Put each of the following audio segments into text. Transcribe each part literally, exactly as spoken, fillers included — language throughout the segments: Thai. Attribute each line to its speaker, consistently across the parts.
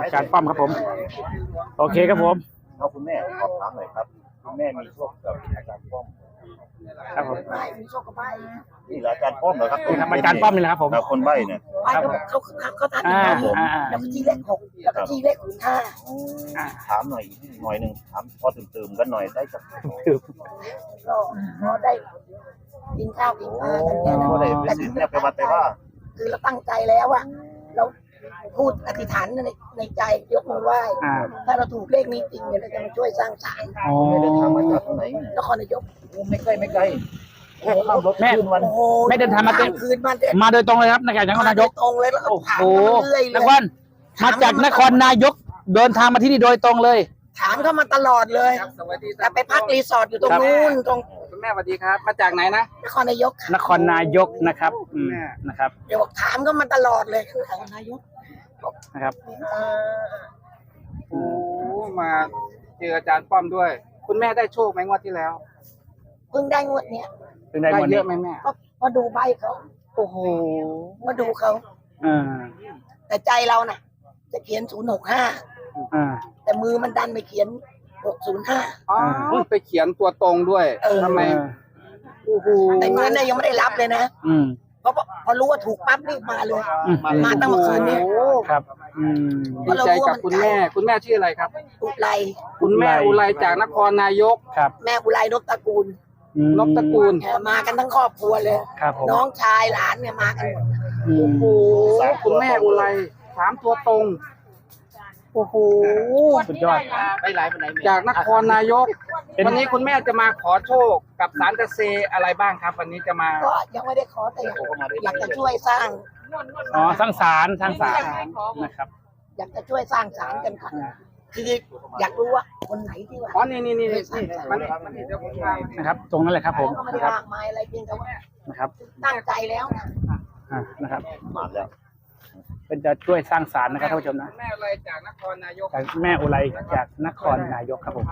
Speaker 1: อาจารย์ป้อมครับผมโอเคครับผม
Speaker 2: เอาคุณแม่ขอบถามหน่อยครับคุณแม่มีโชคกับอาจารย์ป้อม
Speaker 1: ครับผม
Speaker 3: มีโชคกับใบ
Speaker 2: นี่แหละอาจารย์ป้อมเหรอครับ
Speaker 1: อาจารย์ป้อมนี่แหละครับผม
Speaker 2: คนใบ้เนี่ย
Speaker 3: ใบเขาเขาเขาเขาทันอยู่แล้วก็ที่เลขหกแล้วก็ที่เลขห้า
Speaker 2: ถามหน่อยหน่อยหนึ่งถามพอตื่นๆกันหน่อยได้จาก
Speaker 3: ก็พอได้กินข้าวกินปลากันเนี่ยนะ
Speaker 2: แต่ถึงเนี่ยไปวัดไปว่า
Speaker 3: คือเราตั้งใจแล้วอะเราพูดอธิษฐานในในใจยกมือไหว้ถ้าเราถูกเลขนี้จริงเนี่ยเราจะมาช่วยสร้างศาล
Speaker 2: ไม่ได้ทำมาจากไหน
Speaker 3: นครนายก
Speaker 2: ไม่ไกลไม่ไกลแค่ขับรถ
Speaker 1: แม่
Speaker 2: วัน
Speaker 1: ไม่เดินทางมาเต็ม
Speaker 3: คืนมา
Speaker 1: มาโดยตรงเลยครับนครนายก
Speaker 3: ตรงเลยแล้วก็ถามเรื่อยๆ
Speaker 1: นครมาจากนครนายกเดินทางมาที่นี่โดยตรงเลย
Speaker 3: ถามเข้ามาตลอดเลยแต่ไปพักรีสอร์ทอยู่ตรงนู้นตรง
Speaker 4: คุณแม่สวัสดีครับมาจากไหนนะ
Speaker 3: นครนายก
Speaker 1: นครนายกนะครับนะครับ
Speaker 3: เดี๋ยวถามเข้ามาตลอดเลยคือนครนายก
Speaker 1: นะครับ
Speaker 4: โอ้มาเจออาจารย์ป้อมด้วย คุณแม่ได้โชคไหมงวดที่แล้ว
Speaker 3: เพิ่งได้งวดเนี้ย
Speaker 1: เพิ่งได้งวด
Speaker 4: เยอะไหมแม่
Speaker 3: ก็มาดูใบเขา
Speaker 4: โอ้โห
Speaker 3: มาดูเขา
Speaker 1: อ่า
Speaker 3: แต่ใจเราน่ะจะเขียนศูนย์หกห้า
Speaker 1: อ่า
Speaker 3: แต่มือมันดันไปเขียนหกศูนย์ห้า
Speaker 4: อ๋อไปเขียนตัวตรงด้วยทำไม
Speaker 3: โอ้โหแต่เงินเนี่ยยังไม่ได้รับเลยนะ
Speaker 1: อืม
Speaker 3: เพราะพอรู้ว่าถูกปั๊บรีบมาเลยมาตั้งเมื่อคืนนี้
Speaker 1: ครับ
Speaker 4: ดีใจกับคุณแม่คุณแม่ชื่ออะไรครับ
Speaker 3: อุไร
Speaker 4: คุณแม่อุไรจากนครนายก
Speaker 1: ครับ
Speaker 3: แม่อุไรนพตระกูล
Speaker 4: นพตระกูล
Speaker 3: มากันทั้งครอบครัวเลยน้องชายหลานเนี่ยมากันหมด
Speaker 4: โอ้โหคุณแม่อุไรสามตัวตรงโอ้โห
Speaker 1: สุดยอด
Speaker 4: จากนครนายกวันนี้คุณแม่จะมาขอโชคกับศาลตะเซอะไรบ้างครับวันนี้จะมา
Speaker 3: ก็ยังไม่ได้ขอแต่อยากจะช่วยสร้าง
Speaker 1: อ๋อสร้างศาลสร้างศาลนะครับ
Speaker 3: อยากจะช่วยสร้างศาลกันค่ะคืออยากรู้ว่าคนไหนที่ว่า
Speaker 4: อ๋อนี่นี่นี่นี่มันนี่เดี๋ยวผมมา
Speaker 1: นะครับตรงนั้นเลยครับผม
Speaker 3: ก็ไม่ได้มากมายอะไรเพียงแต่ว่า
Speaker 1: นะครับ
Speaker 3: ตั้งใจแล้วนะ
Speaker 1: อ่านะครับ
Speaker 2: มาแล้ว
Speaker 1: เป็นจะช่วยสร้างศาลนะครับท่านผู้ชมนะ
Speaker 4: แม่อุไรจากนครนายก
Speaker 1: แม่อุไรจากนครนายกครับผม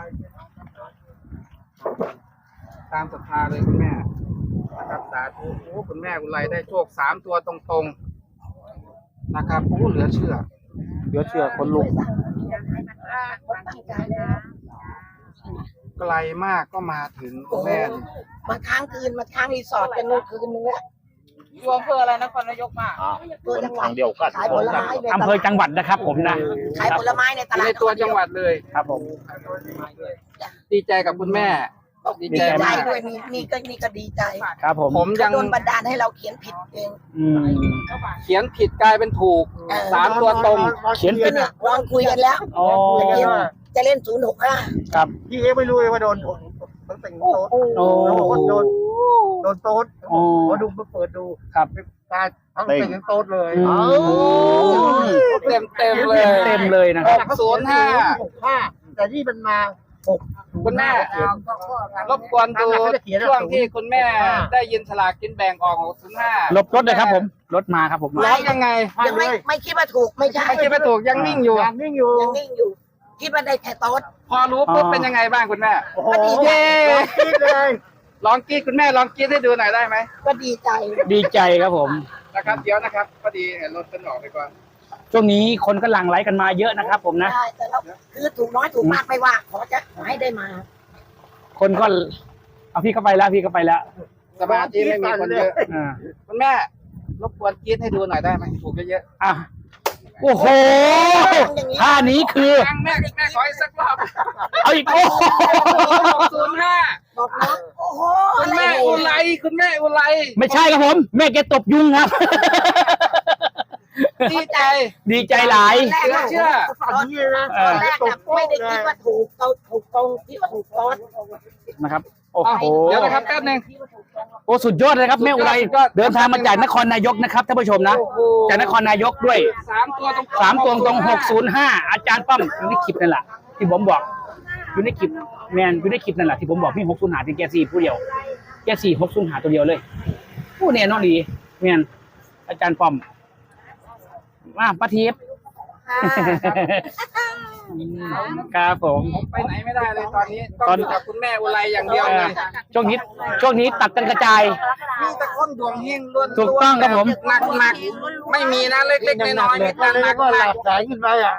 Speaker 4: ตามศรัทธาเลยคุณแม่นะครับสาธุโอ้คุณแม่อุไรได้โชคสามตัวตรงๆนะครับโอ้เหลือเชื่อ
Speaker 1: เหลือเชื่อคนลุก
Speaker 4: ไกลมากก็มาถึงคุณแม่
Speaker 3: มาค้างคืนมาค้างรีสอร์ทกันนู่นคืนนึงแล้ว
Speaker 4: อยู่อำเภออะไรนครนายกมา
Speaker 3: ตัวจังหวัด
Speaker 2: เดียวกัน
Speaker 3: ขายผลไม้
Speaker 1: อำเภอจังหวัดนะครับผมนะ
Speaker 3: ขายผลไม้ในตลาด
Speaker 4: ในตัวจังหวัดเลย
Speaker 1: ครับผม
Speaker 4: ดีใจกับคุณแม่
Speaker 3: ดีใจด้วยนี่นี่ก็นี่ก็ดีใจ
Speaker 1: ครับผม
Speaker 4: ผมยัง
Speaker 3: โดนบันดาลให้เราเขียนผิดเอง
Speaker 4: เขียนผิดกลายเป็นถูกสามตัวตรง
Speaker 1: เขียนผิด
Speaker 3: เนี่ยลองคุยกันแล้วจะเล่นศูนย์หกห้า
Speaker 1: ครับ
Speaker 2: พี่เอ๊ไม่รู้เลยว่าโดนต้องแต่งโต๊ด
Speaker 1: โอ้
Speaker 2: โดนโดนโต๊ดมาดูมาเปิดดู
Speaker 1: ครับ
Speaker 2: การทั้งแต่งโต๊ดเลย
Speaker 4: เต็มเต็มเลย
Speaker 1: เต็มเลยนะครับ
Speaker 4: ศูนย์ห้า
Speaker 2: หกห้าแต่ที่มันมาหก
Speaker 4: คุณแม่รบกวนดูช่วงที่คุณแม่ได้ยินฉลากกินแบ่งออกหกศูนย์ห้า
Speaker 1: ลบรถเลยครับผมรถมาครับผม
Speaker 4: ร้องยังไง
Speaker 3: ยังไม่ไม่คิดว่าถูกไม่ใช่
Speaker 4: ไม่คิดว่าถูกยังนิ่งอยู่
Speaker 2: ยังนิ่งอยู่
Speaker 3: ยังนิ่งอยู่คิดว่าได้แค่โต๊ด
Speaker 4: พอรู้ปุ๊บเป็นยังไงบ้างคุณแม่
Speaker 3: ก็ดีใจ
Speaker 4: เลยลองกรีดคุณแม่ลองกรีดให้ดูหน่อยได้ไหม
Speaker 3: ก็ดีใจ
Speaker 1: ดีใจครับผม
Speaker 4: นะครับเดี๋ยวนะครับพอดีเห็นรถเป็นออกไปก่อน
Speaker 1: ช่วงนี้คนก็หลั่งไหลกันมาเยอะนะครับผมนะ
Speaker 3: ใช่แต่เราคือถูกน้อยถูกมากไม่ว่าขอจะขอให้ได้มา
Speaker 1: คนก็เอาพี่เข้าไปแล้วพี่เข้าไปแล้ว
Speaker 4: สมาธิไม่มีคนเยอะคุณแม่รบกวนกรีดให้ดูหน่อยได้ไหมถูกเยอะ
Speaker 1: ๆอ่ะโอ้โหท่านี้คือ
Speaker 4: แม่แม่ขออีกสักรอบ
Speaker 1: เอาอีกโอ้โห
Speaker 4: ศูนย์ห้า
Speaker 3: บอกน้องโอ้โห
Speaker 4: คุณแม่อุไรคุณแม่อุไร
Speaker 1: ไม่ใช่ครับผมแม่แกตบยุงครับ
Speaker 4: ดีใจ
Speaker 1: ดีใจหลาย
Speaker 4: เชื่อ
Speaker 3: ตอนแรกไม่ได้คิดว่าถูกเราถูกตรงที่ว่าถูกต้น
Speaker 1: นะครับโอ้โห
Speaker 4: เดี๋ยวนะครับแป๊บนึง
Speaker 1: โอ้สุดยอดเลยครับแม่อุไรเดินทางมาจากนครนายกนะครับท่านผู้ชมนะจากนครนายกด้วย
Speaker 4: สามตัวตรง
Speaker 1: สามตัวตรงหกศูนย์ห้าอาจารย์ป้อมอยู่ในคลิปนั่นแหละที่ผมบอกอยู่ในคลิปแมนอยู่ในคลิปนั่นแหละที่ผมบอกพี่หกศูนย์ห้าที่แกสี่ผู้เดียวแกสี่หกศูนย์ห้าตัวเดียวเลยผู้เนี่ยน้องดีแมนอาจารย์ป้อมมาป้าทิพย์ครับผม
Speaker 4: ไปไหนไม่ได้เลยตอนนี้ต้องอยู่กับคุณแม่อุไรอย่างเดียวเลย
Speaker 1: ช่วงนี้ช่วงนี้ตัดกันกระจาย
Speaker 4: มีแต่คนดวงเฮงล้วน
Speaker 1: ถูกต้องครับผม
Speaker 4: หนักหนักไม่มีนะเล็กๆน้อยๆมีแต่หนักหนัก
Speaker 2: สายขึ้นไปอ่ะ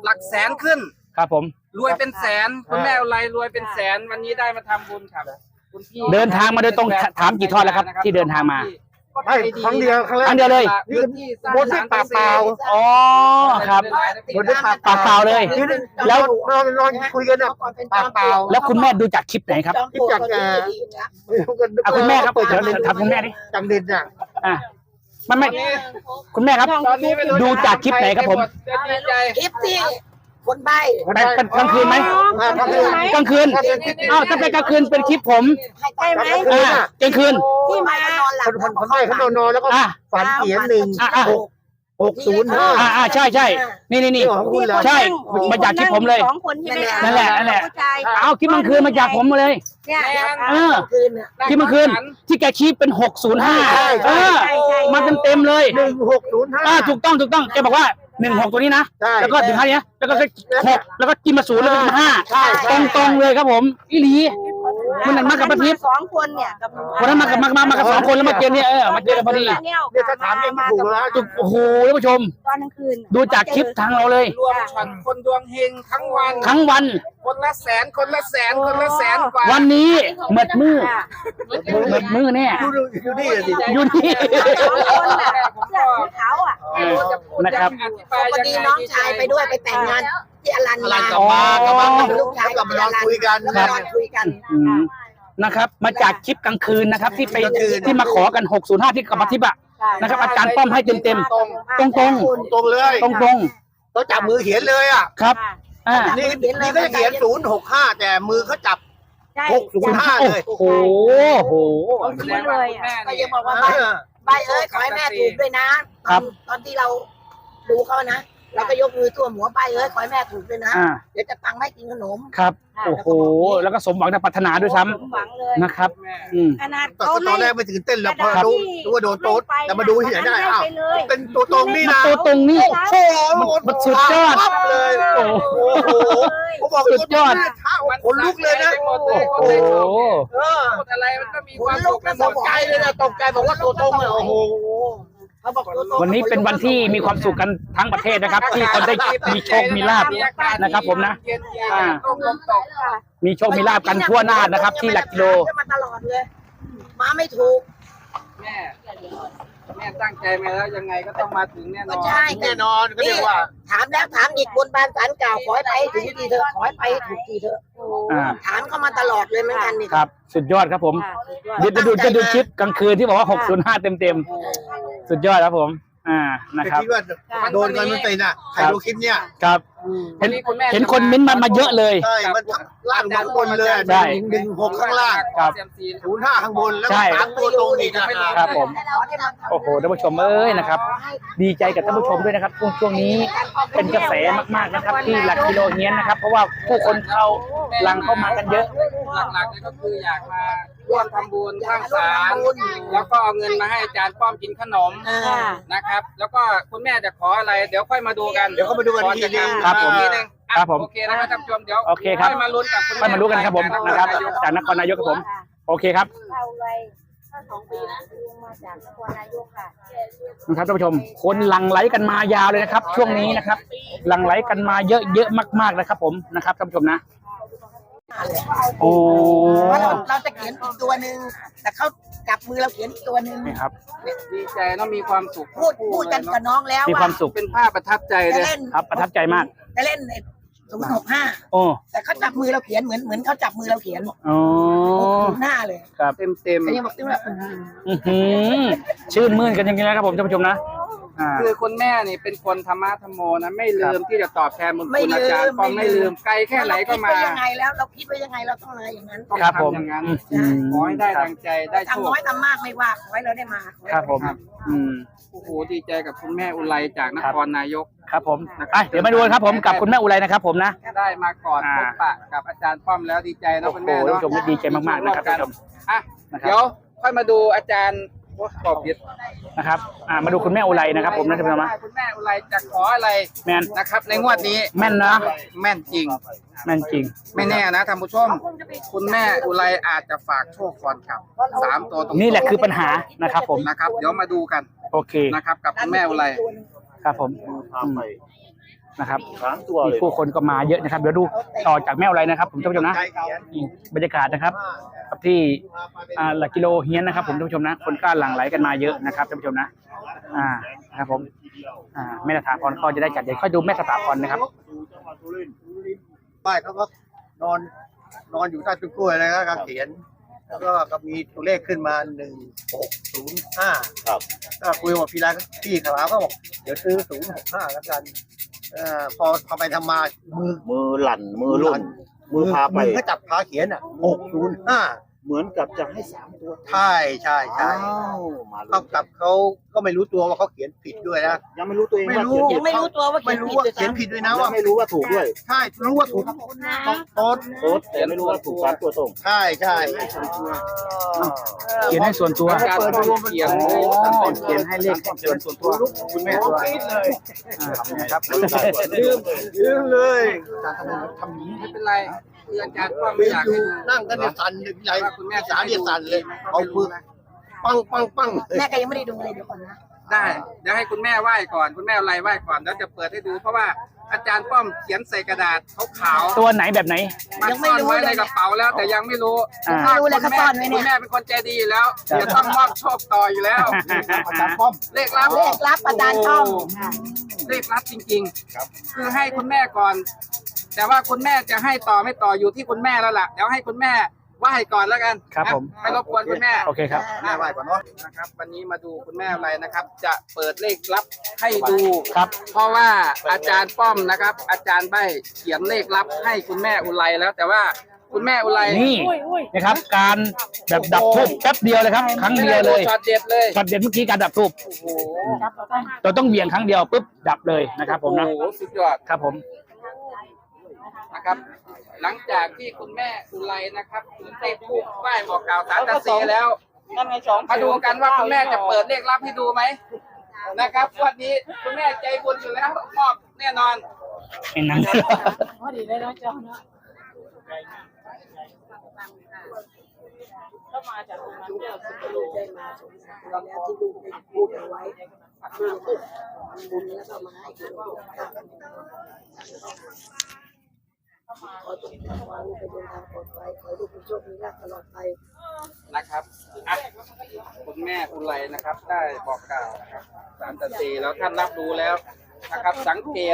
Speaker 4: หลักแสนขึ้น
Speaker 1: ครับผม
Speaker 4: รวยเป็นแสนคุณแม่อุไรรวยเป็นแสนวันนี้ได้มาทำบุญครับคุณพี่
Speaker 1: เดินทางมาโดยตรงถามกี่ทอดแล้วครับที่เดินทางมา
Speaker 2: ไม่ครั้งเดียวครั้งแรก
Speaker 1: ครั้งเดียวเลย
Speaker 4: พื้นที่สร้าง
Speaker 2: บนที่ปากเปล่า
Speaker 1: อ๋อครับ
Speaker 2: บนที่ปาก
Speaker 1: ปากเปล่าเลย
Speaker 2: แล้วนอนนอนคุยกันนะปากเปล่า
Speaker 1: แล้วคุณแม่ดูจากคลิปไหนครับ
Speaker 2: คิดจากแก
Speaker 1: อ่ะคุณแม่ครับเดี๋ยวถามคุณแม่ดิ
Speaker 2: จังเด่นอ่ะ
Speaker 1: อ่ะมันไม่คุณแม่ครับ
Speaker 4: ตอนนี้ไม่รู้
Speaker 1: ดูจากคลิปไหนครับผม
Speaker 4: จะดีใจ
Speaker 3: คลิปที่คนใบ้
Speaker 1: ไปเป็นกลางคืนไหม
Speaker 2: กลางคืน
Speaker 1: กลางคืนอ้าวถ้าเป็นกลางคืนเป็นคลิปผม
Speaker 3: ใช่ไหม
Speaker 1: อ่ากลางคืน
Speaker 3: ที่มาก็นอนหลับ
Speaker 2: คนคนคนใบ้เขานอนนอนแล้วก็
Speaker 1: อ่ะ
Speaker 2: ฝันเขียนหนึ่ง
Speaker 1: อ่ะอ่ะ
Speaker 2: หกหกศูนย์ห้า
Speaker 1: อ่าอ่าใช่ใช่นี่นี่นี่
Speaker 2: ของคุณเหรอ
Speaker 1: ใช่มาจากคลิปผมเลย
Speaker 5: สองคนใช่ไหมคะ
Speaker 1: นั่นแหละนั่นแหละ
Speaker 5: ผู้ชาย
Speaker 1: เอาคลิปกลางคืนมาจากผมมาเลย
Speaker 5: เนี่ย
Speaker 1: เออ
Speaker 3: คืนน่ะ
Speaker 1: คลิปกลางคืนที่แกชี้เป็นหกศูนย์ห้าเออมาเต็มเต็มๆเลย
Speaker 2: หนึ่งหกศูนย์ห้า
Speaker 1: อ่าถูกต้องถูกต้องแกบอกว่าหนึ่งหกตัวนี้นะ
Speaker 2: ใช่
Speaker 1: แล้วก็ถึงห้านี้แล้วก็หกแล้วก็กินมาศูนย์แล้วก็มาห้า
Speaker 2: ใช่
Speaker 1: ตรงตรงๆเลยครับผมอีหลี มันนั่นมากับป้าทิพย์
Speaker 5: สองคนเนี่ยกับ
Speaker 1: วันนั้นมากับมามามากับสองคนแล้วมาเจอเนี่ยเออมาเจอกันพอดี
Speaker 2: เนี่ยถ้าถามเองไม่ถูกแล้ว
Speaker 1: จุกโอ้โหท่านผู้ชม
Speaker 5: ตอนกลางคืน
Speaker 1: ดูจากคลิปทางเราเลย
Speaker 4: รวมช็อตคนดวงเฮงทั้งวัน
Speaker 1: ทั้งวัน
Speaker 4: คนละแสนคนละแสนคนละแสนกว่า
Speaker 1: วันนี้เหมือดมือ
Speaker 5: ค่ะ
Speaker 1: เหมือดมือเนี่ย
Speaker 2: อยู่ดูอยู่นี่สิ
Speaker 1: อยู่นี่
Speaker 5: สองคนน่ะเสื้อสีขาวอ่ะ
Speaker 1: เออนะครับ
Speaker 3: พอดีน้องชายไปด้วยไปแต่งงานที่อลัน
Speaker 2: อะไร
Speaker 3: มาก
Speaker 2: ลับมากลับมา
Speaker 3: ลูกชาย
Speaker 2: กลับมานอนคุยกัน
Speaker 3: มานอนคุยกัน
Speaker 1: อืมนะครับ มาจากคลิปกลางคืนนะครับ ที่ไป
Speaker 2: กลางคืน
Speaker 1: ที่มาขอกันหกศูนย์ห้าที่กับมาทิพย์อะนะครับ อาจารย์ป้อมให้เต็มเต็ม
Speaker 4: ตรง
Speaker 1: ตรงตรง
Speaker 2: ตรงเลย
Speaker 1: ตรงตรง
Speaker 2: เขาจับมือเขียนเลยอ่ะ
Speaker 1: ๆครับอ่า
Speaker 2: นี่นี่ก็จะเขียนศูนย์หกห้าแต่มือเขาจับ
Speaker 5: ใช่
Speaker 2: หกศูนย์ห้าเลย
Speaker 1: โอ้โหโห
Speaker 4: แสดงว่าคุณแม่
Speaker 3: ก็
Speaker 4: นี่
Speaker 3: ยังบอกว่าใบใบเอ้ยขอให้แม่ถูกด้วยนะตอนตอนที่เราดูเขานะเราก็ยกมือท่วมหัวใบเอ้ยขอให้แม่ถูกด้วยนะ
Speaker 1: อ่า
Speaker 3: เดี๋ยวจะตังค์ให้กินขนม
Speaker 1: ครับโอ้โหแล้วก็สมหวังในปรารถนาด้วยซ้ำ
Speaker 5: สมหวังเลย
Speaker 1: นะครับ อืม
Speaker 5: ขนาด
Speaker 2: ตอน
Speaker 5: เขา
Speaker 2: ตอนแรกไม่ตื่นเต้นแล้วพอรู้รู้ว่าโดนโต๊ดแต่มาดูที่ไหนได้อ้าวเป็นตัวตรงนี่นะ
Speaker 1: ตัวตรงนี่
Speaker 2: โอ้โห
Speaker 1: มันสุดยอด
Speaker 2: ปั๊บเลย
Speaker 1: โอ้โห
Speaker 2: โอ้โหผมบอก
Speaker 1: สุดยอด
Speaker 2: เท้าขนลุกเลยนะ
Speaker 1: โอ้โห
Speaker 2: เออ
Speaker 4: พูดอะไรมันก็มี
Speaker 3: ข
Speaker 4: ความ
Speaker 3: นลุ
Speaker 4: สุ
Speaker 3: ก
Speaker 4: ข
Speaker 3: นะ
Speaker 4: นะ
Speaker 3: ตกใจเลยนะตกใจบอกว่าตัวตรงเลยโอ้โหเขาบอกตัวตรง
Speaker 1: วันนี้เป็นวันที่มีความสุขกันทั้งประเทศนะครับ ที่คนได้มีโชคมีลาภนะครับผมนะ
Speaker 4: เย็นๆ
Speaker 1: อ่า
Speaker 4: ร่มลมตก
Speaker 1: มีโชคมีลาภกันทั่วหน้านะครับ ที่หลักกิโล
Speaker 3: มาตลอดเลยมาไม่ถูก
Speaker 4: แม่แม่ตั้งใจมาแล้วยังไงก็ต้องมาถึงแน่น
Speaker 3: ก็
Speaker 4: อน
Speaker 3: ใช่
Speaker 2: แน่นอนก็เรียกว่า
Speaker 3: ถามแล้วถามอีกบนบานสารกล่าวขอให้ไปถึงทีเถอะขอให้ไปถูกทีเถอะ
Speaker 1: อ่า
Speaker 3: ถามเขามาตลอดเลยเหมือนกันนี่
Speaker 1: ครับ สุดยอดครับผมเดี๋ยวจะดูจะดูคลิปกลางคืนที่บอกว่าหกศูนย์ห้าเต็มเต็มๆสุดยอดครับผม อ่านะครับ
Speaker 2: คิดว่าโดนกันมันเป็นอ่ะใครดูคลิปเนี่ย
Speaker 1: ครับ เห็นเห็นคนเม้นต์มามาเยอะเลย
Speaker 2: ใช่มันทั้งล่างทั้งบนเลย
Speaker 1: ใช่
Speaker 2: หนึ่งหกข้างล่าง
Speaker 1: ครับ
Speaker 2: ศูนย์ห้าข้างบนแล้ว
Speaker 1: ใช่
Speaker 2: สามตัวตรงอีกอ่ะ
Speaker 1: ครับผม โอ้โหท่านผู้ชมเอ้ยนะครับ ดีใจกับท่านผู้ชมด้วยนะครับช่วงช่วงนี้เป็นกระแสมากๆนะครับ ที่หลักกิโลเฮียนนะครับ เพราะว่าผู้คนเขาหลังเข้ามากันเยอะ
Speaker 4: หลักๆเลยก็คืออยากมาร่วมทำบุญสร้างศาลแล้วก็เอาเงินมาให้อาจารย์ป้อมกินขนม
Speaker 5: ค่ะ
Speaker 4: นะครับ แล้วก็คุณแม่จะขออะไรเดี๋ยวค่อยมาดูกัน
Speaker 2: เดี๋ยวเขามาดูกันทีนึง
Speaker 1: ครับผม
Speaker 4: ทีนึงอ่ะ
Speaker 1: ครับผม
Speaker 4: โอเคนะครับท่านผู้ชมเดี๋ยว
Speaker 1: โอเคครับ
Speaker 4: ค่อยมาลุ้นกับคุณ
Speaker 1: ไปมารู้กันครับผมนะครับ จากนครนายกครับผม โอเคครับ
Speaker 5: เราเลยถ้าสองปีนะลุงมาจากนครนายกค่ะ
Speaker 1: นะครับท่านผู้ชม คนหลั่งไหลกันมายาวเลยนะครับ ช่วงนี้นะครับ หลั่งไหลกันมาเยอะเยอะมากๆนะครับ ผมนะครับท่านผู้ชมนะ โอ้
Speaker 3: ว่าเราเราจะเขียนอีกตัวหนึ่งแต่เขาจับมือเราเขียนอีกตัวหนึ่ง
Speaker 1: นี่ครับ
Speaker 4: ดีใจเนอะมีความสุข
Speaker 3: พูดพูดกันกับน้องแล้ว
Speaker 1: มีความสุข
Speaker 4: เป็นภาพประทับใจ
Speaker 3: จะ
Speaker 4: เลย
Speaker 3: เล่น
Speaker 1: ครับประทับใจมาก
Speaker 3: จะเล่นศูนย์หกห้า
Speaker 1: โอ้
Speaker 3: แต่เขาจับมือเราเขียนเหมือนเหมือนเขาจับมือเราเขียน
Speaker 1: อ๋อ
Speaker 3: หน้าเลย
Speaker 1: ครับ
Speaker 4: เต็มเต็ม
Speaker 3: เขายังบอกที่ว่า
Speaker 1: อื้อหือชื่นมื่นกันจริงๆนะครับผมท่านผู้ชมนะอ่า
Speaker 4: ๆคือคุณแม่นี่เป็นคนธรรมะธรรมโมนะไม่ลืมที่จะตอบแทนบุญ
Speaker 3: ไม่
Speaker 4: คุณ
Speaker 3: ลื
Speaker 4: อาจารย์
Speaker 3: ม
Speaker 4: ป้อมไม่ลืมไกลแค่ไหนก็มา
Speaker 3: เรคิดไว้ยังไงแล้วเราคิดไว้ยังไงเราต้องมาอย่างนั้น
Speaker 4: ต้อง
Speaker 1: ครับผม
Speaker 4: ทำอย่างนั้น
Speaker 1: อืม
Speaker 4: ขอให้ได้ดังใจได้โช
Speaker 3: ทำ
Speaker 4: ค
Speaker 3: น้อยทำมากไม่ว่าขอให้เราได้มา
Speaker 1: ครับผม อืม
Speaker 4: โอ้โหดีใจกับคุณแม่อุไรจากนครนายก
Speaker 1: ครับผมอ่ะเดี๋ยวมาดูกันครับผมกับคุณแม่อุไรนะครับผมนะ
Speaker 4: ได้มาก่อน
Speaker 1: อ่า
Speaker 4: พบปะกับอาจารย์ป้อมแล้วดีใจนะ
Speaker 1: โอ้
Speaker 4: คุณ
Speaker 1: โห
Speaker 4: แม่
Speaker 1: ท่าน
Speaker 4: เนาะ
Speaker 1: ผู้ชมดีใจมากๆนะครับท่านผู้ชม
Speaker 4: อ่ะ
Speaker 1: นะครับ
Speaker 4: เดี๋ยวค่อยมาดูอาจารย์โอ้ตอบผิด
Speaker 1: นะครับ อ่ามาดูคุณแม่อุไรนะครับผมนะท่านผู้ชมนะ
Speaker 4: คุณแม่อุไรจะขออะไร
Speaker 1: แม่น
Speaker 4: นะครับ ในงวดนี้
Speaker 1: แม่นนะ
Speaker 4: แม่นจริง
Speaker 1: แม่นจริง
Speaker 4: ไม่แน่นะท่านผู้ชม คุณแม่อุไรอาจจะฝากโชคก่อนครับสามตัวตรง
Speaker 1: นี่แหละคือปัญหานะครับผม
Speaker 4: นะครับ เดี๋ยวมาดูกัน
Speaker 1: โอเค
Speaker 4: นะครับ กับคุณแม่อุไร
Speaker 1: ครับผมอืมนะครับ
Speaker 2: สามตัว
Speaker 1: มี
Speaker 2: เลย
Speaker 1: ผู้คนก็มาเยอะนะครับเดี๋ยวดูต่อจากแม่อะไรนะครับ ผมท่านผู้ชมนะ
Speaker 2: ใจเขียน
Speaker 1: นี่บรรยากาศนะครับกับที่อ่าหลักกิโลเฮียนนะครับ ผมท่านผู้ชมนะคนก็หลั่งไหลกันมาเยอะนะครับท่านผู้ชมนะอ่านะครับผมอ่าแม่สถาพรก็จะได้จัดเดี๋ยวค่อยดูแม่สถาพรนะครับ
Speaker 2: ป้ายเขาก็นอนนอนอยู่ใต้ต้นกล้วยนะครับการเขียน แล้วก็ก็มีตัวเลขขึ้นมาหนึ่งหกศูนย์ห้าครับก็คุยกับพี่ร้านพี่ขาวก็บอกเดี๋ยวซื้อศูนย์หกห้าแล้วกันเอ่อพอทำไปทำมามือ
Speaker 6: มือหลั่นมือลุ่นมือพาไป
Speaker 2: มือก็จับพาเขียนอ่ะหกศูนย์ห้า
Speaker 6: เหมือนกับจะให้สามตัว
Speaker 2: ใช่ใช่ใช่
Speaker 6: อ้าวมาเล
Speaker 2: เท่าย กับเขาก็ไม่รู้ตัวว่าเขาเขียนผิดด้วยนะ
Speaker 6: ยังไม่รู้ตัวเอง
Speaker 2: ไม่
Speaker 6: ว่า
Speaker 2: รู้
Speaker 6: เขียน
Speaker 3: ยังไม่รู้ตัวว่า
Speaker 2: ไม่รู้ว่าเขียนผิดด้วยนะ
Speaker 6: ยั
Speaker 2: ว่า
Speaker 6: งไม่รู้ว่าถูกด้วย
Speaker 2: ใช่รู้ว่าถูกโต๊ด
Speaker 6: โต๊ดแต่ไม่รู้ว่าถูกสามตัวตรง
Speaker 2: ใช่ใช่
Speaker 1: เขียนให้ส่วนตัว
Speaker 4: อาจารย์ป้อมเขียนเลย
Speaker 1: อ๋อเขียนให้เลขเขียนส่วนตัว
Speaker 2: คุณแม่ตัวคิดเลย
Speaker 1: อ่านะครับ
Speaker 2: ลืมลืมเลย
Speaker 4: ทำนี้ไม่เป็นไรคืออาจารย์ป้อม
Speaker 2: ไป
Speaker 4: ไม่อยาก
Speaker 2: อยู่
Speaker 4: ให้ดู
Speaker 2: นั่งกันเนี่ยสั่นเลยพี่ใหญ่คุณแม่สาเนี่ยสั่นเลย เอาปืนปังปังปังเลย
Speaker 3: แม่ก็ยังไม่ได้ดูเลยเดี๋ยวก่อนนะ
Speaker 4: ได้เดี๋ยวให้คุณแม่ไหว้ก่อนคุณแม่อะไรไหว้ก่อนแล้วจะเปิดให้ดูเพราะว่าอาจารย์ป้อมเขียนใส่กระดาษขาวๆ
Speaker 1: ตัวไหนแบบไหน
Speaker 4: มันซ่อนไว้ในกระเป๋าแล้วแต่ยังไม่รู้
Speaker 1: อ่า
Speaker 4: ถ้า
Speaker 3: รู้
Speaker 4: คุ
Speaker 3: แล้ว
Speaker 4: ณ
Speaker 3: เขา
Speaker 4: แม่
Speaker 3: ซ่อนไว้เนี่ย
Speaker 4: คุณแม่เป็นคนใจดีอยู่แล้วจะต้องมอบโชคต่ออยู่แล้ว
Speaker 2: อาจารย์ป้อม
Speaker 4: เลขลับ
Speaker 3: เลขรับอาจารย์ต้อม
Speaker 4: เลขลับจริงๆคือให้คุณแม่ก่อน แต่ว่าคุณแม่จะให้ต่อไม่ต่ออยู่ที่คุณแม่แล้วล่ะเดี๋ยวให้คุณแม่ไหว้ก่อนแล้วกัน
Speaker 1: ครับผม
Speaker 4: ไม่รบกวนคุณแม่
Speaker 1: โอเคครับ
Speaker 2: แม่ไหว้ก่อนเนาะ
Speaker 4: นะครับ วันนี้มาดูคุณแม่อะไรนะครับ จะเปิดเลขลับให้ดู
Speaker 1: ครับ
Speaker 4: เพราะว่าอาจารย์ป้อมนะครับ อาจารย์ใบเขียนเลขลับให้คุณแม่อุไรแล้ว แต่ว่าคุณแม่อุไร
Speaker 1: นี่นะครับ การแบบดับทูบแป๊บเดียวเลยครับ ครั้งเดียวเลย
Speaker 4: ช็อตเด็ดเลย
Speaker 1: ช็อตเด็ดเมื่อกี้การดับทูบ
Speaker 4: โอ้โห
Speaker 1: เราต้องเหวี่ยงครั้งเดียวปุ๊บดับเลยนะครับ ผมนะ
Speaker 4: โอ้โหสุดยอด
Speaker 1: ครับผม
Speaker 4: นะครับ หลังจากที่คุณแม่อุไรนะครับถึงได้พูดไหว้บอกกล่าวสารตาสีแล้วมาดูกันว่าคุณแม่จะเปิดเลขลับให้ดูไหมนะครับวันนี้คุณแม่ใจบุญอยู่แล้วมอบแน่นอน
Speaker 1: เห็นหนัง
Speaker 5: พอดีเลยเนาะเจ้าเนาะก็มาจากตรงนั้นเจ้าสุดลูกได้มาสงสารแล้วที่ลูกได้พูดเอาไว้คือบุญแล้วก็มาให้คือขอจงทำความลูกไปเดินทางปลอดภัยขอลูกเป็นโชคมีลาภตลอดไป
Speaker 4: นะครับอ่ะคุณแม่อุไรนะครับ ได้บอกกล่าวนะครับสารตาสีแล้วท่านรับรู้แล้วนะครับ สังเกต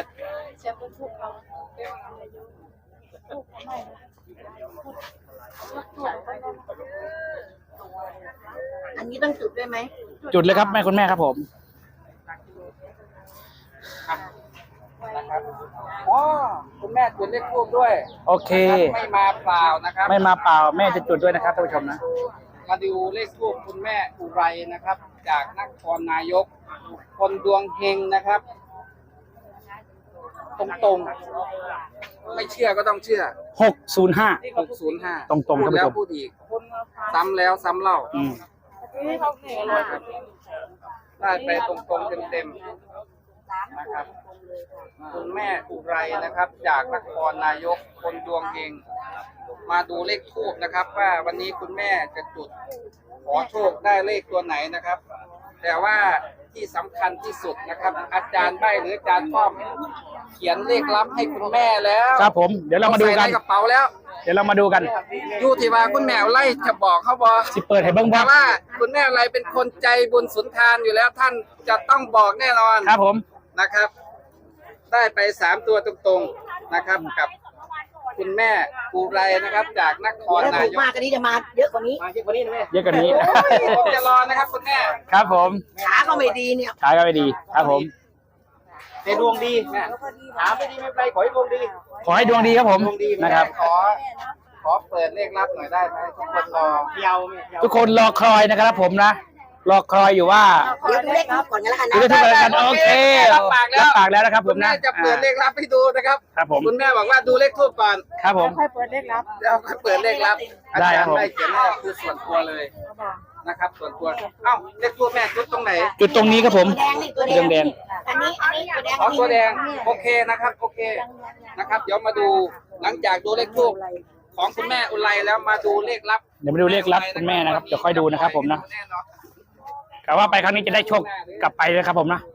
Speaker 3: อันนี้ต้องจุดด้วยไหม
Speaker 1: จุดเลยครับแม่คุณแม่ครับผม
Speaker 4: นะครับอ๋อคุณแม่จุดเลขทูบด้วย
Speaker 1: โอเค
Speaker 4: ไม่มาเปล่านะครับ
Speaker 1: ไม่มาเปล่าแม่จะจุดด้วยนะครับท่านผู้ชมนะ
Speaker 4: มาดูเลขทูบคุณแม่อุไรนะครับ จากนครนายก คนดวงเฮงนะครับ ตรงๆ ไม่เชื่อก็ต้องเชื่อ
Speaker 1: หกศูนย์ห้า
Speaker 4: หกศูนย์ห้า
Speaker 1: ตรงๆ
Speaker 4: พูด
Speaker 1: ท่านผู้
Speaker 4: แล้
Speaker 1: ช
Speaker 4: ว
Speaker 1: ม
Speaker 4: พูดอีก ซ้ำแล้วซ้ำเล่า
Speaker 1: อืม
Speaker 4: ได้ไปตรงๆเต็มๆนะครับ คุณแม่อุไรนะครับ จากนครนายก คนดวงเฮงมาดูเลขทูบนะครับ ว่าวันนี้คุณแม่จะจุดขอโชคได้เลขตัวไหนนะครับ แต่ว่าที่สำคัญที่สุดนะครับ อาจารย์ใบหรืออาจารย์ป้อม เขียนเลขลับให้คุณแม่แล้ว
Speaker 1: ครับผมเดี๋ยวเรามาดูกัน
Speaker 4: ใส่ในกระเป๋าแล้ว
Speaker 1: เดี๋ยวเรามาดูกัน
Speaker 4: อยู่ที่ว่าคุณแม่ไล่จะบอกเขาบอก
Speaker 1: สิเปิดให้เบิ้ง
Speaker 4: แต่
Speaker 1: บ้าง
Speaker 4: ว่าคุณแม่อะไรเป็นคนใจบุญสุนทานอยู่แล้วท่านจะต้องบอกแน่นอน
Speaker 1: ครับผม
Speaker 4: นะครับ ได้ไปสามตัวตรงๆนะครับกับคุณแม่ปูไรนะครับ จากนคร
Speaker 3: ถ้า
Speaker 4: นา
Speaker 3: ถูก
Speaker 4: ยก
Speaker 3: มากอันนี้จะมาเยอะกว่านี้
Speaker 4: มาที่คนนี้นะแม่
Speaker 1: เยอะกว่านี้
Speaker 4: ผมจะรอนะครับคุณแม่
Speaker 1: ครับผม
Speaker 3: ขาก็ไม่ดีเนี่ย
Speaker 1: ขายก็ไม่ดี ครับผม
Speaker 4: แต่ดวงดีแม่ถามไม่ดีไม่เป็นไรขอให้ดวงดี
Speaker 1: ขอให้ดวงดีครับผม
Speaker 4: ดวงดี
Speaker 1: นะครับ
Speaker 4: ขอขอเปิดเลขลับหน่อยได้ไหมทุกคนรอเยาวไหม
Speaker 1: ทุกคนรอคอยนะครับผมนะ รอคอยอยู่ว่า
Speaker 3: เดี๋ยวดูเลขทูบก่อนกันแล้วกัน
Speaker 1: ดู
Speaker 3: นะ
Speaker 1: ได้ทุกรายการโอเค
Speaker 4: รับปากแล้ว
Speaker 1: รับปากแล้วนะครับผ
Speaker 4: คุ
Speaker 1: ม
Speaker 4: ณแม่
Speaker 1: นะ
Speaker 4: จะเปิดเลขลับให้ดูนะครับ
Speaker 1: ครับผม
Speaker 4: คุณแม่บอกว่าดูเลขทูบก่อน
Speaker 1: ครับผม
Speaker 5: ค่อยเปิดเลขลับ
Speaker 4: แล้วค่อยเปิดเลขลับอา
Speaker 1: ได้
Speaker 4: จาร
Speaker 1: ครับ
Speaker 4: ย์
Speaker 1: ผม
Speaker 4: ได้เขียนให้คือส่วนตัวเลยนะครับ ส่วนตัวเอ้าเลขทูบแม่จุดตรงไหน
Speaker 1: จุดตรงนี้ครับผม
Speaker 3: แดงนี่ตัวแด
Speaker 1: เรื่อง งแดง
Speaker 3: อันนี้อันนี้ตัวแดง
Speaker 4: อ๋อตัวแดงโอเคนะครับ โอเคนะครับ เดี๋ยวมาดูหลังจากดูเลขทูบของคุณแม่อุไรแล้วมาดูเลขลับ
Speaker 1: เดี๋ยวมาดูเลขลับคุณแม่นะครับเดี๋ยวค่อยดูนะครับผมนะ กะว่าไปครั้งนี้จะได้โชคกลับไปเลยครับผมนะ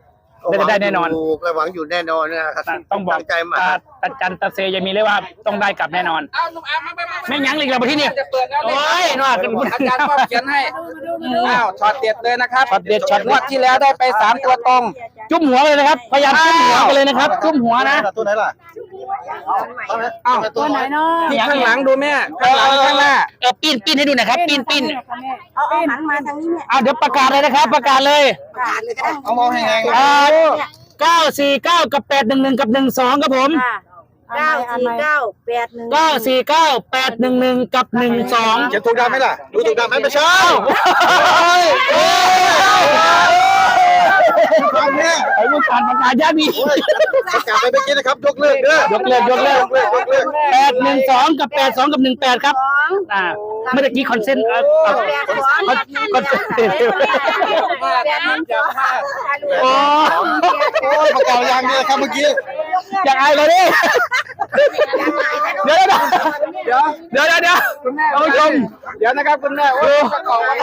Speaker 1: ได้ได้แน่นอน
Speaker 2: ก็หวังอยู่แน่นอนนะครับ
Speaker 1: ต้องบอก
Speaker 2: ตั้งใจมา
Speaker 1: ตาตาจันตาเซยังมีเลยว่าต้องได้กลับแน่นอน
Speaker 4: เอาหนุ่มอาร์มมามามา
Speaker 1: ไม่ยั้งเลยเราไปที่นี่
Speaker 4: จะเปิดแล้ว
Speaker 1: โอ้ยนวดกัน
Speaker 4: อาจารย์ป้อมเขียนให้อ้าวช็อตเด็ดเลยนะครับ
Speaker 1: ช็อตเด็ดช็อต
Speaker 4: งวดที่แล้วได้ไปสามตัวตรง
Speaker 1: จุ่มหัวเลยนะครับพยายามจุ่มหัวกันเลยนะครับจุ่มหัวนะ
Speaker 2: ตัวไหนล่ะ
Speaker 4: อ้าว
Speaker 2: ตัวไหนเนาะ
Speaker 4: ที่ข้างหลังดูแม่ข้างหลังข้างหน้า
Speaker 1: เออปิ้นปิ้นให้ดูหน่อยครับปิ้นปิ้น
Speaker 5: เอาเอาหันมาทางนี้เนี่ย
Speaker 1: เอาเดี๋ยวประกาศเลยนะครับ ประกาศเลย
Speaker 5: ประกาศเลยก็ได้
Speaker 2: เอามองให้ไง
Speaker 1: อ่าเก้าสี่เก้ากับแปดหนึ่งหนึ่งกับหนึ่งสองครับผม
Speaker 5: เก้าสี่เก้าแปดหนึ่ง
Speaker 1: เก้าสี่เก้าแปดหนึ่งหนึ่งกับหนึ่งสอง
Speaker 2: เขียนถูกดำไหมล่ะดูถูกดำไหมไม่ใช่ฟังเนี่ย
Speaker 1: ไอ้ผู้การประกาศยาดี
Speaker 2: ประกาศไปเมื่อกี้นะครับยกเลิกเด้อย
Speaker 1: กเลิกยกเลิก
Speaker 2: ยกเลิกยกเลิก
Speaker 1: แปดหนึ่งสองกับแปดสองกับหนึ่งแปดครับอ่าเมื่อกี้คอนเซนต์เอ่อเอ่อคอนคอนเซนต์
Speaker 5: แปดหนึ่งสอง
Speaker 1: โอ้
Speaker 2: โอ้ยประกาศยังเนี่ยครับเมื่อกี้
Speaker 1: อยากอายเลยดิเดี๋ยวเดี๋ยว
Speaker 4: เดี๋ยว
Speaker 1: เดี๋ยวเดี๋ยวเดี๋ยว
Speaker 4: คุณแม่
Speaker 1: ท่านผู้ชม
Speaker 4: เดี๋ยวนะครับคุณแม่โอ้ยจะขอไว้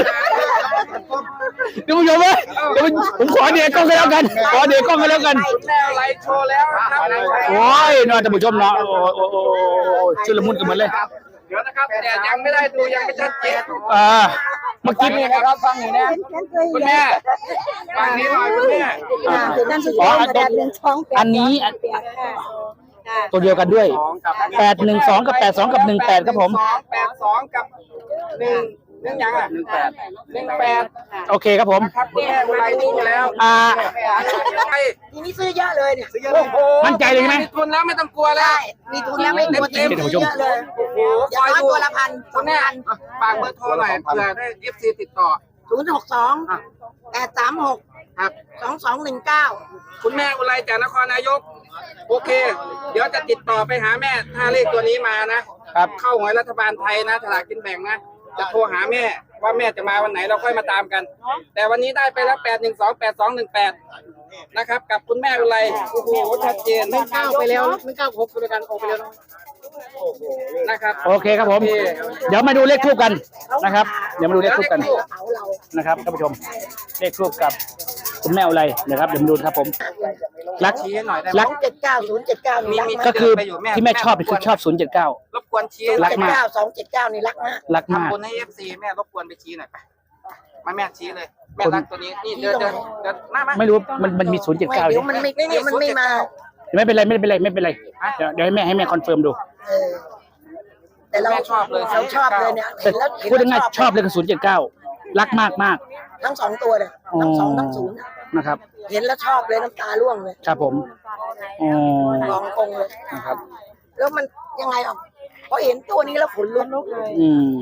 Speaker 1: ท่านผู้ชมเว้ยเดี๋ยวผมขอเดี๋ยวกล้องกันแล้วกัน ขอเดี๋ยวกล้องกันแล้วกัน
Speaker 4: คุณแม่ไลฟ์โชว์แล้วนะครับ
Speaker 1: โอ้ยเนาะท่านผู้ชมเนาะโอ้โอ้โอ้ชุลมุนกันหมดเลย
Speaker 4: เดี๋ยวนะครับแต่ยังไม่ได้ดูยังไม่ชัดเจน
Speaker 1: อ่าเมื่อ
Speaker 4: ฟั
Speaker 1: กี้
Speaker 4: งนี่นะครับฟังนี่นะคุณแม่ฟังนี้หน่อยคุณแม่
Speaker 5: นั่นคือ
Speaker 1: อ๋อ
Speaker 5: แปดหนึ่งสอง
Speaker 1: อันนี้ตัวเดียวกันด้วย
Speaker 4: สองกับ
Speaker 1: แปดหนึ่งสองกับแปดสองกับหนึ่งแปดครับผม
Speaker 4: สองแปดสองกับหนึ่งหนึ่งยังอ่ะหนึ่งแปดหนึ่งแปด
Speaker 1: โอเคครับผม
Speaker 4: ครับคุณแม่ไลฟ์โชว์แล้ว
Speaker 1: อ่า
Speaker 4: ไป
Speaker 5: ทีนี้ซื้อเยอะเลยเนี่ย
Speaker 4: โอ้โห
Speaker 1: มั่นใจเลยใช่ไหม
Speaker 4: มีทุนแล้วไม่ต้องกลัวแล้ว
Speaker 5: มีทุนแล้วไม่กลัวเต็ม
Speaker 1: ท่านผู้ชม
Speaker 5: เยอะเลย
Speaker 4: โอ้โห
Speaker 5: อ
Speaker 4: ค
Speaker 5: ย่าง
Speaker 4: อย
Speaker 5: น้อย
Speaker 4: ดู
Speaker 5: ตัวละพันส
Speaker 4: คุ
Speaker 5: อง
Speaker 4: ณแม่
Speaker 5: พัน
Speaker 4: ฝากเบอร์โทรหน่อยเผื่อได้ เอฟ ซี ติดต่อ
Speaker 5: ศูนย์หกสองแปดสามหก
Speaker 4: ครับ
Speaker 5: สองสองหนึ่งเก้า
Speaker 4: คุณแม่อุไรจากนครนายก โอเค เดี๋ยวจะติดต่อไปหาแม่ถ้าเลขตัวนี้มานะครับ เข้าหวยรัฐบาลไทยนะฉลากกินแบ่งนะ จะโทรหาแม่ว่าแม่จะมาวันไหนเราค่อยมาตามกัน แต่วันนี้ได้ไปแล้วแปดหนึ่งสองแปดสองหนึ่งแปดนะครับ กับคุณแม่อุไรโอ้โหชัดเจนไม่ก้าวไปแล้วไม่ก้าวพบกันกันออกไปแล้วนะครับ
Speaker 1: โอเคครับผม เดี๋ยวมาดูเลขทูบกันนะครับ เดี๋ยวมาดูเลขทูบกัน
Speaker 5: เขาเรา
Speaker 1: นะครับท่านผู้ชม เลขทูบกับคุณแม่อะไรนะครับ เดี๋ยวมาดูครับผม รัก
Speaker 4: ชี้หน่อยได้ไหม
Speaker 1: รัก
Speaker 5: เจ็ดเก้าศูนย์เจ็ดเก้านี่รัก
Speaker 4: มี
Speaker 5: มาก
Speaker 1: ก็คือ
Speaker 4: ไปอยู่แม่
Speaker 1: ที่แม่ชอบคือชอบศูนย์เจ็ดเก้าร
Speaker 4: บกวนชี้
Speaker 1: รัก
Speaker 5: เจ็ด
Speaker 1: มาก
Speaker 5: เก้าสองเจ็ดเก้านี่รักมาก
Speaker 1: รักมาก
Speaker 4: ทำบุญให้เอฟซีแม่รบกวนไปชี้หน่อยไปมาแม่ชี้เลย แม่รักตัวนี้นี่เดินเดินเดินมามา
Speaker 1: ไม่รู้มันมันมีศูนย์เจ็ดเก้า
Speaker 5: เดี๋ยวมันไม่เดี๋ยวมันไม่มา
Speaker 1: ไม่เป็นไรไม่เป็นไรไม่เป็นไรเดี๋ยวเดี๋ยวให้แม่ให้แม่คอนเฟิร์มดู
Speaker 5: เออแต่เรา
Speaker 4: แม่ชอบเลย
Speaker 5: เราชอบเลยเนี่ย
Speaker 1: แต่
Speaker 5: เห็นแล้ว
Speaker 1: พูดง่ายๆชอบเลยกับศูนย์เจ็ดเก้ารักมากมาก
Speaker 5: ทั้งสองตัวเลยทั้งสองทั้งศูนย์
Speaker 1: นะครับ
Speaker 5: เห็นแล้วชอบเลยน้ำตาร่วงเลย
Speaker 1: ครับผมอ๋อ
Speaker 5: มองกงเลย
Speaker 1: นะครับ
Speaker 5: แล้วมันยังไงอ่ะพอเห็นตัวนี้แล้วขนลุกเลย
Speaker 1: อืม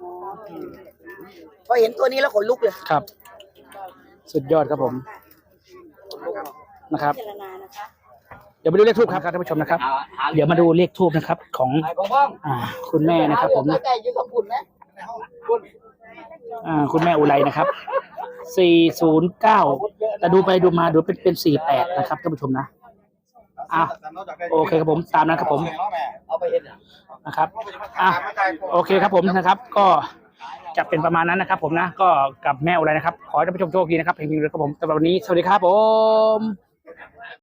Speaker 5: พอเห็นตัวนี้แล้วขนลุกเลย
Speaker 1: ครับ สุดยอดครับผมนะครับ เดี๋ยวมาดูเลขทูบครับท่านผู้ชมนะครับ เดี๋ยวมาดูเลขทูบนะครับ ของอ่าคุณแม่นะครับผม
Speaker 5: แต่อยู่กับคุณนะ
Speaker 1: อ่าคุณแม่อุไรนะครับ สี่ศูนย์เก้า แต่ดูไปดูมาดูเป็นเป็นสี่แปดนะครับท่านผู้ชมนะอ่ะโอเคครับผมตามนั้นครับผมนะครับอ่ะโอเคครับผมนะครับ ก็จะเป็นประมาณนั้นนะครับ ผมนะ ก็กับแม่อุไรนะครับ ขอให้ท่านผู้ชมโชคดีนะครับเพลงนี้เลยครับผมสำหรับวันนี้สวัสดีครับผม